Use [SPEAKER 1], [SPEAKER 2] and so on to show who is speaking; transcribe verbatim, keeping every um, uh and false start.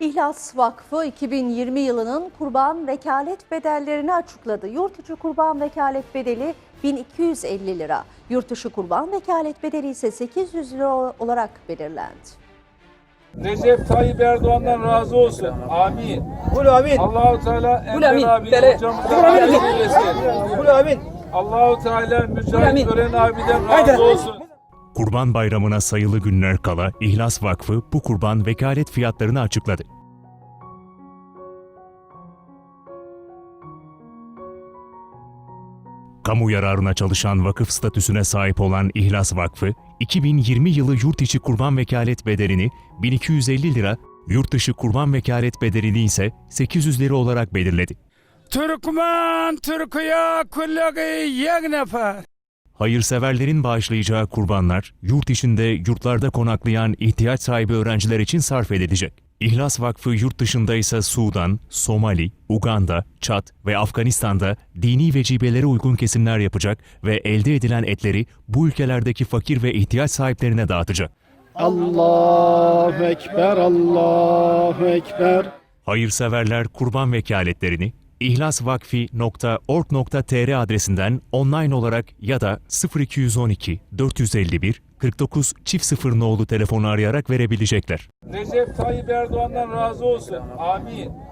[SPEAKER 1] İhlas Vakfı iki bin yirmi yılının kurban vekalet bedellerini açıkladı. Yurt içi kurban vekalet bedeli bin iki yüz elli lira. Yurt dışı kurban vekalet bedeli ise sekiz yüz lira olarak belirlendi.
[SPEAKER 2] Recep Tayyip Erdoğan'dan razı olsun. Amin.
[SPEAKER 3] Kul amin.
[SPEAKER 2] Allahu Teala
[SPEAKER 3] Kul amin.
[SPEAKER 2] Enver abi
[SPEAKER 3] Tele.
[SPEAKER 2] hocamızdan
[SPEAKER 3] Kul amin.
[SPEAKER 2] razı eylesin.
[SPEAKER 3] Kul amin.
[SPEAKER 2] Allahu Teala
[SPEAKER 3] amin.
[SPEAKER 2] Mücahit Gören abiden
[SPEAKER 3] Haydi.
[SPEAKER 2] razı olsun.
[SPEAKER 4] Kurban Bayramı'na sayılı günler kala İhlas Vakfı bu kurban vekalet fiyatlarını açıkladı. Kamu yararına çalışan vakıf statüsüne sahip olan İhlas Vakfı, iki bin yirmi yılı yurt içi kurban vekalet bedelini bin iki yüz elli lira, yurt dışı kurban vekalet bedelini ise sekiz yüz lira olarak belirledi.
[SPEAKER 5] Türkmen, Türkiye, kullaki yek nefer.
[SPEAKER 4] Hayırseverlerin bağışlayacağı kurbanlar, yurt içinde yurtlarda konaklayan ihtiyaç sahibi öğrenciler için sarf edilecek. İhlas Vakfı yurt dışında ise Sudan, Somali, Uganda, Çad ve Afganistan'da dini vecibelere uygun kesimler yapacak ve elde edilen etleri bu ülkelerdeki fakir ve ihtiyaç sahiplerine dağıtacak.
[SPEAKER 6] Allahu Ekber, Allahu Ekber.
[SPEAKER 4] Hayırseverler kurban vekaletlerini ihlasvakfi nokta org nokta tr adresinden online olarak ya da sıfır iki yüz on iki dört yüz elli bir kırk dokuz çift sıfır nolu telefonu arayarak verebilecekler.
[SPEAKER 2] Recep Tayyip Erdoğan'dan razı olsun. Amin.